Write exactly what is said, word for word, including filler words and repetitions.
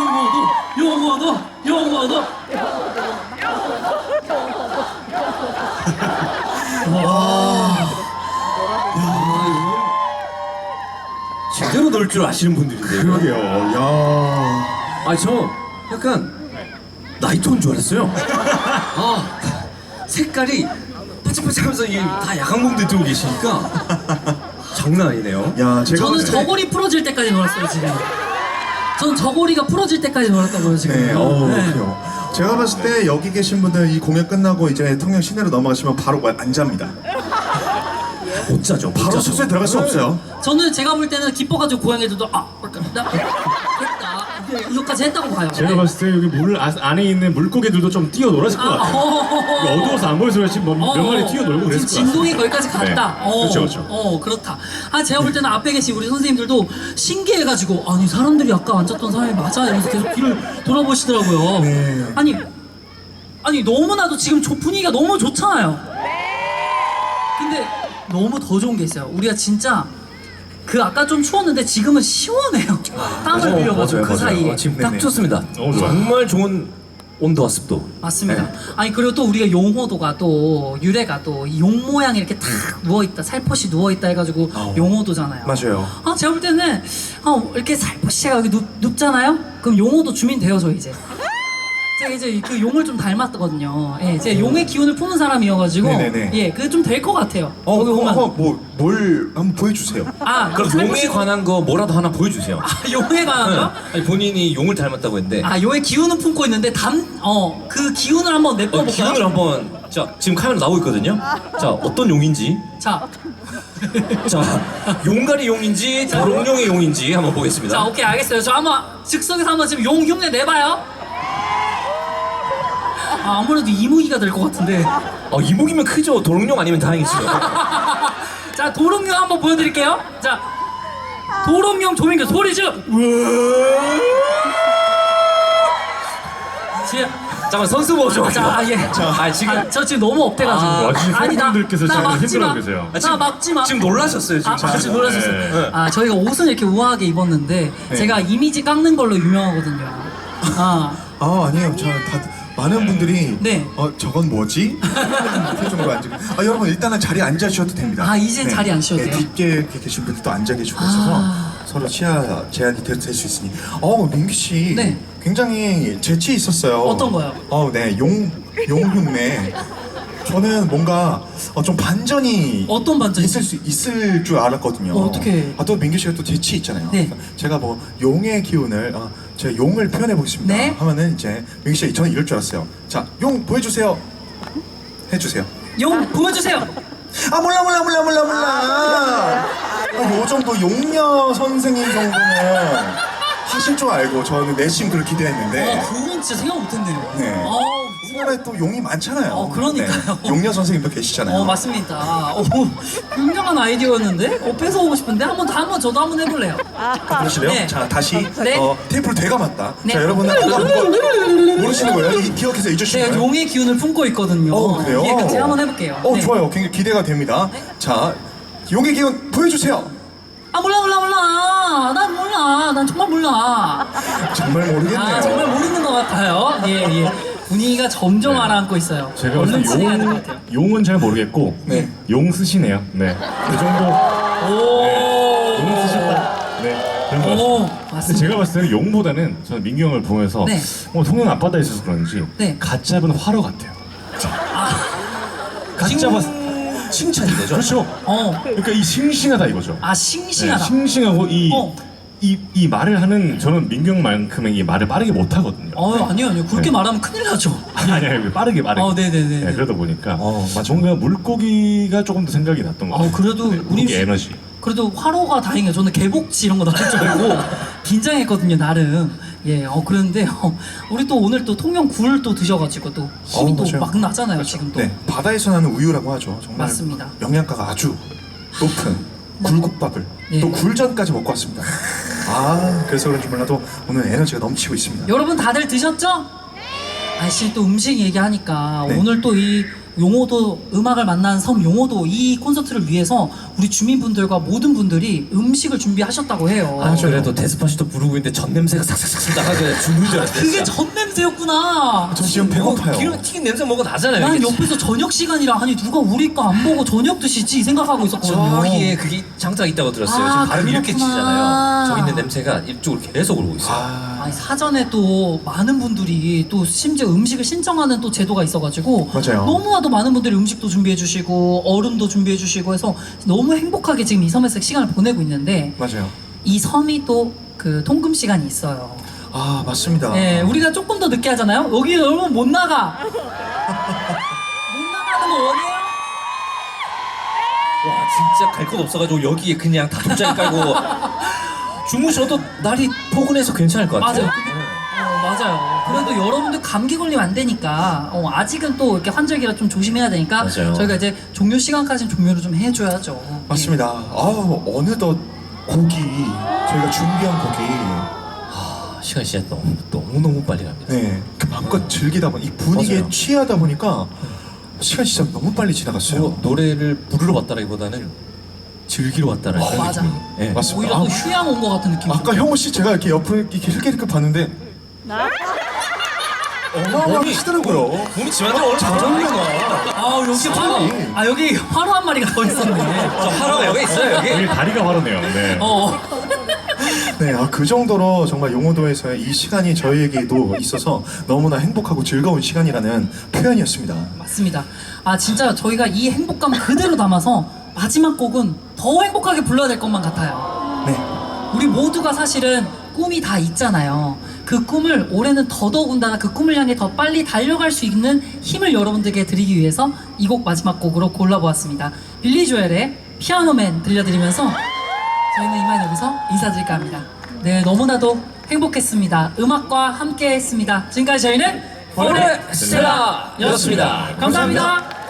용어도 용어도 제대로 넣을 줄 아시는 분들인데요. 그러게요. 야. 아니 저 약간 나이트온 줄 알았어요. 아 색깔이 반짝반짝하면서 이게 다 야광봉들 들고 계시니까 장난 아니네요. 야, 제가 저는 봤을 때- 저고리 풀어질 때까지 놀았어요 지금. 저는 저고리가 풀어질 때까지 놀았다고요 지금. 네, 어, 네. 그래요. 제가 봤을 때 여기 계신 분들 이 공연 끝나고 이제 통영 시내로 넘어가시면 바로 안 잡니다. 못 자죠. 못 바로 자죠. 숙소에 들어갈 수 없어요. 저는 제가 볼 때는 기뻐가지고 고양이들도 아, 나 됐다 이거까지 했다고 봐요. 제가 봤을 때 여기 물 아- 안에 있는 물고기들도 좀 뛰어놀았을 것 아, 같아요. 어, 이거 어두워서 안 보여서 그렇지 뭐 몇 어, 마리 뛰어놀고 지금 그랬을 것 진동이 같아요. 거기까지 갔다. 네. 어, 그렇죠, 그렇죠. 어, 그렇다. 아, 제가 볼 때는 앞에 계신 우리 선생님들도 신기해가지고 아니 사람들이 아까 앉았던 사람이 맞아 이러면서 계속 뒤를 돌아보시더라고요. 네. 아니, 아니 너무나도 지금 조- 분위기가 너무 좋잖아요. 근데 너무 더 좋은 게 있어요. 우리가 진짜 그 아까 좀 추웠는데 지금은 시원해요. 땀을 흘려가지고 그 사이에. 어, 지금 네네. 딱 좋습니다. 너무 좋아요. 정말 좋은 온도와 습도. 맞습니다. 네. 아니 그리고 또 우리가 용호도가 또 유래가 또 용 모양이 이렇게 탁 누워 있다, 살포시 누워 있다 해가지고 용호도잖아요. 맞아요. 아 제가 볼 때는 어, 이렇게 살포시가 여기 눕, 눕잖아요. 그럼 용호도 주민 되어줘 이제. 제가 이제 그 용을 좀 닮았거든요. 예, 제가 용의 기운을 푸는 사람이어가지고 네네네. 예, 그게 좀 될 것 같아요. 어, 거기 오면 어, 뭐, 뭘 한번 보여주세요. 아 그럼 용에 관한 거 뭐라도 하나 보여주세요. 아, 용에 관한 거? 아니, 본인이 용을 닮았다고 했는데 아 용의 기운은 품고 있는데 담어그 기운을 한번 어, 내뿜어볼까요? 기운을 한번 자 지금 카메라 나오고 있거든요. 자 어떤 용인지 자. 자 용가리 용인지 도롱뇽의 용인지 한번 보겠습니다. 자, 오케이, 알겠어요. 저 한번 즉석에서 한번 지금 용 흉내 내봐요. 아, 아무래도 이무기가 될 것 같은데. 어, 이목이면 크죠. 도롱뇽 아니면 다행이죠. 자, 도롱뇽 한번 보여드릴게요. 자, 도롱뇽 조민규 소리 좀. 지금 잠깐 선수 모셔. 자, 예. 아 지금 아, 저 지금 너무 업돼가지고. 아, 와주신 팬분들께서 지금 막지 힘들어하고 마. 계세요. 아, 나 막지 마. 지금 놀라셨어요 지금. 아, 아, 지금 놀라셨어요. 네. 아, 저희가 옷은 이렇게 우아하게 입었는데 제가 이미지 깎는 걸로 유명하거든요. 아, 아, 아니에요. 저 다, 많은 분들이 네. 어, 저건 뭐지? 표정으로 앉아. 아, 여러분 일단은 자리에 앉아 주셔도 됩니다. 아, 이젠 자리에 앉으셔도 돼요? 뒷게 이렇게 계신 분들도 앉아 계시고 있어서 아. 서로 시야 제한이 될 수 있으니. 어, 민규 씨. 네. 굉장히 재치 있었어요. 어떤 거요? 어, 네. 용, 용 흉내. 저는 뭔가 어, 좀 반전이 어떤 반전이 있을 수 있을 줄 알았거든요. 어, 어떡해. 아, 또 민규 씨가 또 재치 있잖아요. 네. 그래서 제가 뭐 용의 기운을 어, 제가 용을 표현해 보겠습니다. 네. 하면은 이제 민규 씨 저는 이럴 줄 알았어요. 자, 용 보여주세요. 해주세요. 용 보여주세요. 아 몰라 몰라 몰라 몰라 몰라. 아, 요 정도 용녀 선생님 정도는 하실 줄 알고 저는 내심 그걸 기대했는데. 어, 그건 진짜 생각 못했네요. 네. 어, 우리나라에 또 용이 많잖아요. 어, 그러니까요. 네. 용녀 선생님도 계시잖아요. 어 맞습니다. 어, 굉장한 아이디어였는데? 어, 뺏어오고 싶은데 한번 다 한번 저도 한번 해볼래요. 아, 그러실래요? 네. 자 다시 네. 어, 테이프를 되감았다. 네. 자 여러분은 아까 그거 모르시는 거예요? 이, 기억해서 잊으시는 제가 거예요? 용의 기운을 품고 있거든요. 어 그래요? 예, 같이 한번 해볼게요. 어 네. 좋아요. 굉장히 기대가 됩니다. 네. 자 용의 기운 보여주세요. 아 몰라 몰라 몰라. 난 몰라. 난 정말 몰라. 정말 모르겠네요. 아 정말 모르는 것 같아요. 예 예. 분위기가 점점 네. 가라앉고 있어요. 제가 얼른 봤을 때 진행해야 될 것 용, 같아요. 용은 잘 모르겠고 네. 용 쓰시네요. 네. 그 정도 오. 용 쓰셨다. 네. 그런 것 오, 같습니다. 근데 맞습니다. 제가 봤을 때는 용보다는 저는 민규 형을 보면서 네. 어, 통영 앞바다에 있어서 그런지 네. 갓 잡은 화로 같아요. 갓 칭- 잡았 칭찬이 되죠. 그렇죠. 어. 그러니까 이 싱싱하다 이거죠. 아 싱싱하다. 네, 싱싱하고 이, 어. 이, 이 말을 하는 저는 민규 형만큼은 이 말을 빠르게 못 하거든요. 어 아니요 아니요 그렇게 네. 말하면 큰일 나죠. 아니 아니 빠르게 빠르게. 어, 네네네. 네, 그러다 보니까 어, 맞아. 뭔가 물고기가 조금 더 생각이 났던 것 어 같아요. 그래도 우리 물고기 에너지. 그래도 화로가 다행이에요. 저는 개복치 이런 거 나올 줄 알고 긴장했거든요 나름. 예, 어 그런데 어, 우리 또 오늘 또 통영 굴 또 드셔가지고 또 힘이 어, 또 맞아요. 막 나잖아요 지금 또. 네, 바다에서 나는 우유라고 하죠. 정말 맞습니다. 영양가가 아주 높은 굴국밥을 네. 또 굴전까지 먹고 왔습니다. 아, 그래서 그런지 몰라도 오늘 에너지가 넘치고 있습니다. 여러분 다들 드셨죠? 아씨 또 음식 얘기하니까 네. 오늘 또 이 용호도 음악을 만난 섬 용호도 이 콘서트를 위해서 우리 주민분들과 모든 분들이 음식을 준비하셨다고 해요. 아, 그래도 데스파시토 부르고 있는데 전 냄새가 싹싹싹 나가지고 죽는 줄 알았어요. 그게 전 냄새였구나. 저 지금 배고파요. 기름 튀긴 냄새 먹어 나잖아요. 난 이게 옆에서 저녁 시간이라 아니 누가 우리 거 안 보고 저녁 드시지 생각하고 있었거든요. 저기에 그게 장작 있다고 들었어요. 아, 지금 발음 이렇게 그렇구나. 치잖아요. 저기 있는 냄새가 이쪽으로 계속 오고 있어요. 아, 아니, 사전에 또 많은 분들이 또 심지어 음식을 신청하는 또 제도가 있어가지고 맞아요. 너무나도 많은 분들이 음식도 준비해주시고 얼음도 준비해주시고 해서 너무 행복하게 지금 이 섬에서 시간을 보내고 있는데 맞아요. 이 섬이 또 그 통금 시간이 있어요. 아, 맞습니다. 네, 우리가 조금 더 늦게 하잖아요. 여기 여러분 못 나가. 못 나가는 거 원해요? 와 진짜 갈 곳 없어가지고 여기에 그냥 다 돗자리 깔고 주무셔도 날이 포근해서 괜찮을 것 같아요. 맞아요. 어, 맞아요. 그래도 여러분들 감기 걸리면 안 되니까 어, 아직은 또 이렇게 환절기라 좀 조심해야 되니까 맞아요. 저희가 이제 종료 시간까지는 종료를 좀 해줘야죠. 맞습니다. 아우, 어느덧 곡이 저희가 준비한 곡이 아, 시간 진짜 너무 너무 너무 빨리 갑니다. 네, 그 마음껏 즐기다 보니 이 분위기에 맞아요. 취하다 보니까 시간이 진짜 너무 빨리 지나갔어요. 뭐, 노래를 부르러 왔다라기보다는 즐기러 왔다라는 어, 맞아. 느낌이. 예. 맞습니다. 오히려 또 아, 휴양 온 것 같은 느낌이 아까 좀 형우 씨 제가 이렇게 옆을 이렇게 흘끗흘끗 봤는데 어마어마하게 하시더라고요. 몸이 지만대로 오늘 잘 어울려나. 아 여기 화로 아 여기 화로 한 마리가 더 있었네. 저 하나가 여기 있어요 여기. 여기 다리가 화로네요. 네. 어. 네, 아, 그 정도로 정말 용호도에서의 이 시간이 저희에게도 있어서 너무나 행복하고 즐거운 시간이라는 표현이었습니다. 맞습니다. 아 진짜 저희가 이 행복감 그대로 담아서 마지막 곡은 더 행복하게 불러야 될 것만 같아요. 네, 우리 모두가 사실은 꿈이 다 있잖아요. 그 꿈을 올해는 더더군다나 그 꿈을 향해 더 빨리 달려갈 수 있는 힘을 여러분들께 드리기 위해서 이 곡 마지막 곡으로 골라보았습니다. 빌리 조엘의 피아노맨 들려드리면서 저희는 이만 여기서 인사드릴까 합니다. 네, 너무나도 행복했습니다. 음악과 함께 했습니다. 지금까지 저희는 포레스텔라였습니다. 감사합니다.